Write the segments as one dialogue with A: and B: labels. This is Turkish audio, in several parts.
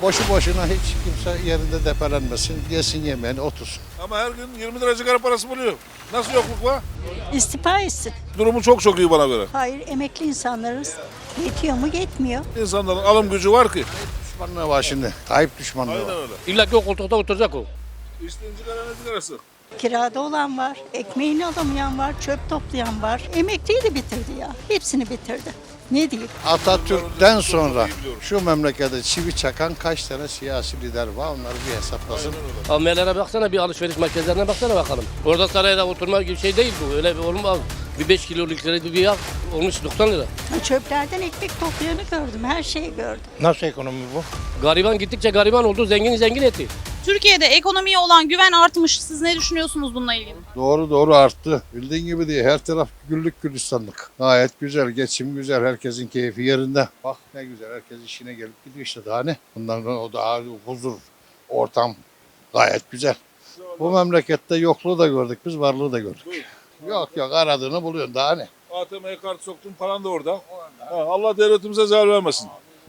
A: Boşu boşuna hiç kimse yerinde depelenmesin, yesin yemeğini, otursun.
B: Ama her gün 20 lira sigara parası buluyor. Nasıl yokluk var?
C: İstifa etsin.
B: Durumu çok iyi bana göre.
C: Hayır, emekli insanlarız. Yetiyor mu? Yetmiyor.
B: İnsanların alım gücü var ki.
A: Düşmanlığı var şimdi. Tayyip düşmanlığı
B: Aynen
A: var.
B: öyle.
D: İlla ki o koltukta oturacak o.
B: İçtiğin sigara ne sigarası?
C: Kirada olan var, ekmeğini alamayan var, çöp toplayan var. Emekliyi de bitirdi ya. Hepsini bitirdi. Ne diyeyim?
A: Atatürk'ten sonra şu memlekette çivi çakan kaç tane siyasi lider var, onları bir hesaplasın.
D: Avmelere baksana, bir alışveriş merkezlerine baksana bakalım. Orada sarayda oturma gibi şey değil bu. Öyle bir olmaz. Bir 5 kiloluk lira bir yağ olmuş 90 lira.
C: Çöplerden ekmek toplayanı gördüm, her şeyi gördüm.
E: Nasıl ekonomi bu?
D: Gariban gittikçe gariban oldu, zengin etti.
F: Türkiye'de ekonomiye olan güven artmış. Siz ne düşünüyorsunuz bununla ilgili?
A: Doğru arttı. Bildiğin gibi değil. Her taraf güllük gülistanlık. Gayet güzel. Geçim güzel. Herkesin keyfi yerinde. Bak ne güzel. Herkes işine gelip gidiyor işte daha ne. Bundan sonra o daha huzur, ortam gayet güzel. Bu memlekette yokluğu da gördük biz, varlığı da gördük. Yok aradığını buluyorsun daha ne.
B: ATM'ye kart soktun paran da orada. Allah devletimize zarar vermesin.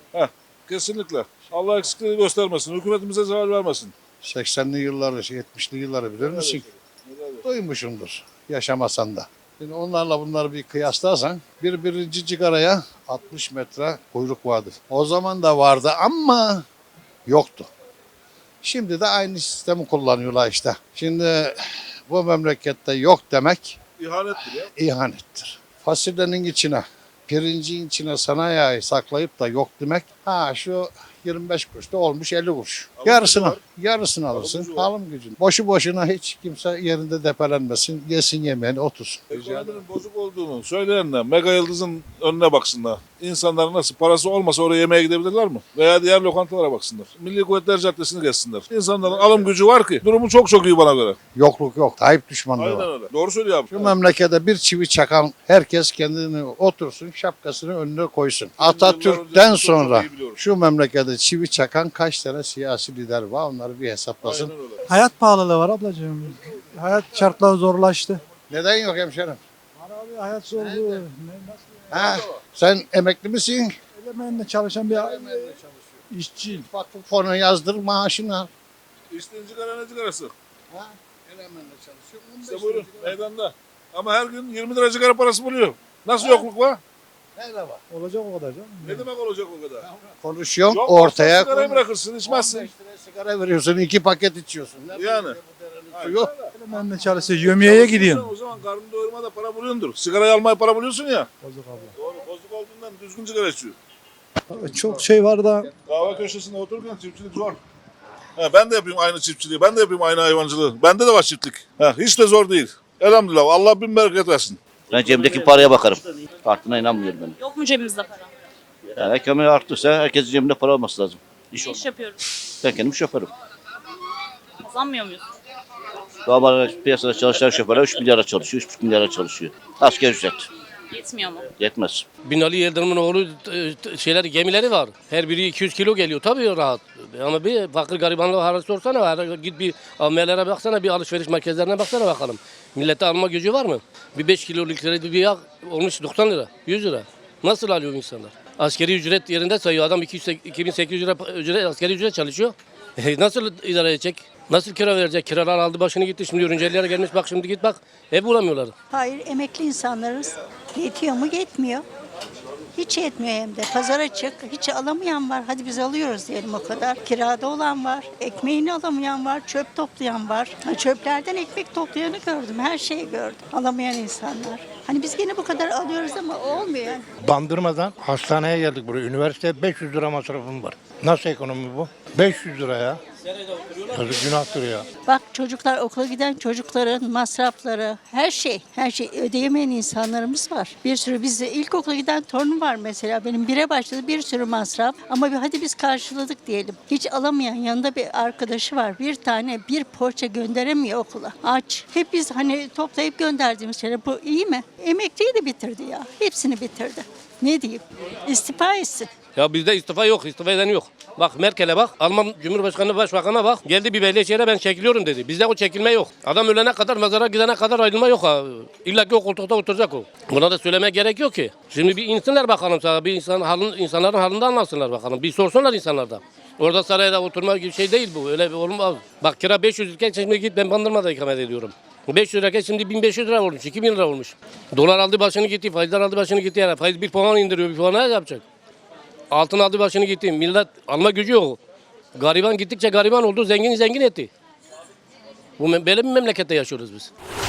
B: Kesinlikle. Allah eksikliği göstermesin. Hükümetimize zarar vermesin.
A: 80'li yılları, 70'li yılları bilir misin? Duymuşumdur. Yaşamasan da. Şimdi onlarla bunları bir kıyaslarsan birinci cigaraya 60 metre kuyruk vardı. O zaman da vardı ama yoktu. Şimdi de aynı sistemi kullanıyorlar işte. Şimdi bu memlekette yok demek
B: İhanettir ya.
A: ihanettir. Fasulyenin içine, pirincin içine sanayi saklayıp da yok demek. Şu 25 kuruşta olmuş 50 kuruş.
B: Alım gücü var.
A: Yarısını
B: Alım
A: alırsın.
B: gücü var.
A: Alım gücün. Boşu boşuna hiç kimse yerinde depelenmesin. Yesin yemeğini, otursun.
B: Ekonominin bozuk olduğunu söyleyenler mega yıldızın önüne baksınlar. İnsanlar nasıl parası olmasa oraya yemeğe gidebilirler mi? Veya diğer lokantalara baksınlar. Milli Kuvvetler Caddesi'ni gezsinler. İnsanların alım gücü var ki. Durumu çok iyi bana göre.
A: Yokluk yok. Tayyip düşmanlığı
B: Aynen
A: var.
B: öyle. Doğru söylüyor abi.
A: Şu memlekete bir çivi çakan herkes kendini otursun, şapkasını önüne koysun. Atatürk'ten sonra
B: iyi biliyorum.
A: şu memlekete çivi çakan kaç tane siyasi lider var, onları bir hesaplasın.
B: Aynen öyle.
E: Hayat pahalılığı var ablacığım. Hayat şartları zorlaştı.
A: Neden yok hemşerim?
E: Var abi hayat zorluğu.
A: Sen emekli misin?
E: Elemenle çalışan bir işçi.
A: Vakıf fonu yazdır, maaşını al.
B: İçtiğin sigara ne sigarası?
A: Elemenle çalışıyorum.
B: İşte buyurun meydanda. Ama her gün 20 lira sigara parası buluyor. Nasıl yokluk var?
A: Nerede var?
E: Olacak o kadar canım.
B: Ne demek olacak o kadar?
A: Konuşuyorum,
B: Yok,
A: ortaya
B: sigarayı
A: konuş.
B: bırakırsın, içmezsin.
A: 15 liraya sigara veriyorsun, 2 paket içiyorsun. Nerede
B: Yani.
A: bu derenin suyu?
E: Elemenle çalışıyor. Yömiyeye gidiyorum.
B: O zaman karnını doyurma da para buluyordur. Sigarayı almaya para buluyorsun ya.
E: Bozuk abla.
B: Doğru. Bozuk olduğundan düzgün sigara içiyor.
E: Çok şey var da
B: Kahve köşesinde otururken çiftçilik zor. Ben de yapayım aynı çiftçiliği. Ben de yapayım aynı hayvancılığı. Bende de var çiftlik. Hiç de zor değil. Elhamdülillah. Allah bin bereket versin.
G: Ben cebimdeki paraya bakarım. Arttığına inanmıyorum ben.
F: Yok mu cebimizde para?
G: Yani ekonomi arttıysa herkesin cebinde para olması lazım. İş
F: Ne
G: olmaz.
F: iş yapıyoruz?
G: Ben kendim şoförüm.
F: Kazanmıyor muyuz?
G: Normal piyasada çalışan şoförler 3 milyara çalışıyor, 3,5 milyara çalışıyor. Asgari ücret.
F: Yetmiyor mu?
G: Yetmez.
D: Binali Yıldırım'ın oğlu gemileri var. Her biri 200 kilo geliyor. Tabii rahat. Ama bir fakir garibanlığı hali sorsana. Git bir avmelere baksana, bir alışveriş merkezlerine baksana bakalım. Millette alma gücü var mı? Bir 5 kiloluk lira bir yağ olmuş 90 lira, 100 lira. Nasıl alıyor insanlar? Askeri ücret yerinde sayıyor. Adam 2800 lira askeri ücret çalışıyor. Nasıl idare edecek? Nasıl kira verecek? Kiralar aldı başını gitti. Şimdi öğrencilere gelmiş, bak şimdi git bak. Ev bulamıyorlar.
C: Hayır, emekli insanlarız. Yetiyor mu? Yetmiyor. Hiç yetmiyor hem de. Pazara çık, hiç alamayan var. Hadi biz alıyoruz diyelim o kadar. Kirada olan var, ekmeğini alamayan var, çöp toplayan var. Çöplerden ekmek toplayanı gördüm, her şeyi gördüm. Alamayan insanlar. Hani biz gene bu kadar alıyoruz ama olmuyor yani.
E: Bandırmadan hastaneye geldik buraya. Üniversite 500 lira masrafım var. Nasıl ekonomi bu? 500 lira ya. Yazık günahtır ya.
C: Bak çocuklar, okula giden çocukların masrafları, her şey ödeyemeyen insanlarımız var. Bir sürü bizde ilkokula giden torunum var mesela. Benim bire başladı, bir sürü masraf. Ama hadi biz karşıladık diyelim. Hiç alamayan yanında bir arkadaşı var. Bir tane bir poğaça gönderemiyor okula. Aç. Hep biz hani toplayıp gönderdiğimiz şeyler. Bu iyi mi? Emekliyi de bitirdi ya. Hepsini bitirdi. Ne diyeyim? İstifa etsin.
D: Ya bizde istifa yok, istifa eden yok. Bak Merkel'e bak, Alman Cumhurbaşkanı Başbakan'a bak. Geldi bir belediyeye ben çekiliyorum dedi. Bizde o çekilme yok. Adam ölene kadar, mezara gidene kadar ayrılma yok. İlla ki o koltukta oturacak o. Buna da söylemeye gerek yok ki. Şimdi bir insanlar bakalım sana, bir insanların halinden anlatsınlar bakalım. Bir sorsunlar insanlardan. Orada sarayda oturmak gibi şey değil bu. Öyle bir olmaz. Bak kira 500 iken şimdi git ben Bandırma'da ikamet ediyorum. 500 lirayken şimdi 1500 lira olmuş, 2000 lira olmuş. Dolar aldı başını gitti, faizler aldı başını gitti. Yani faiz bir puan indiriyor, bir puan ne yapacak? Altın aldı başını gitti. Millet alma gücü yok. Gariban gittikçe gariban oldu, zengin zengin etti. Böyle bir memlekette yaşıyoruz biz.